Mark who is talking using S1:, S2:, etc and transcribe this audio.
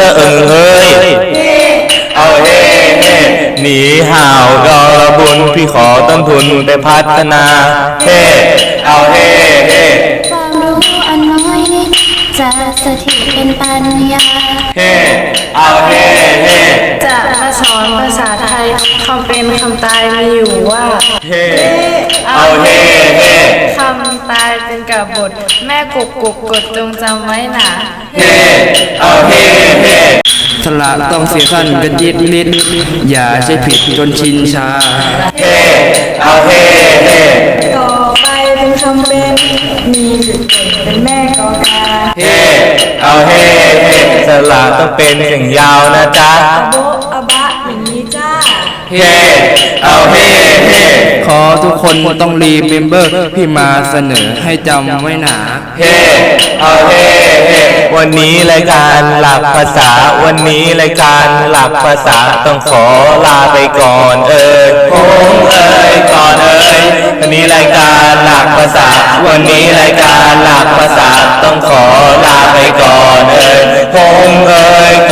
S1: ะเอิงเฮ้ยเอาเฮ้เฮ้หนีห่าวรอบุญพี่ขอต้นทุนไปพัฒนาเฮ้เอาเฮ้เฮ้
S2: ความรู้อันน้อยนิดจะสถิตเป็นปัญญา
S1: เฮ้เอาเฮ้เฮ้
S3: จะมาสอนภาษาไทยคำเป็นคำตายมีอยู่ว่า
S1: เฮ้เอาเฮ้เฮ้
S3: คำตายเป็นกับบทแม่กกดจงจำไว้หนา
S1: เฮ้เอาเฮ้เฮ้
S4: สละต้องเสียสั้นเป็นยิดลิดอย่าใช้ผิดจนชินชา
S1: เฮ้เอาเฮ้เฮ้
S3: ต่อไปเป็นคำเป็นมีจุดเด่นเป็นแม่กอกา
S1: เฮ้เอาเฮ้เฮ้สละต้องเป็นเสียงยาวนะจ๊ะ
S3: อะโบอะบะอย่างนี้จ้า
S1: เฮ้เอาเฮ้เฮ้
S4: ขอทุกคนต้องรีเมมเบอร์พี่มาเสนอให้จำไว้หนา
S1: เฮ้เอาเฮ้เฮ้วันนี้รายการหลักภาษาวันนี้รายการหลักภาษาต้องขอลาไปก่อนผมก่อนวันนี้รายการหลักภาษาวันนี้รายการหลักภาษาต้องขอลาไปก่อนผม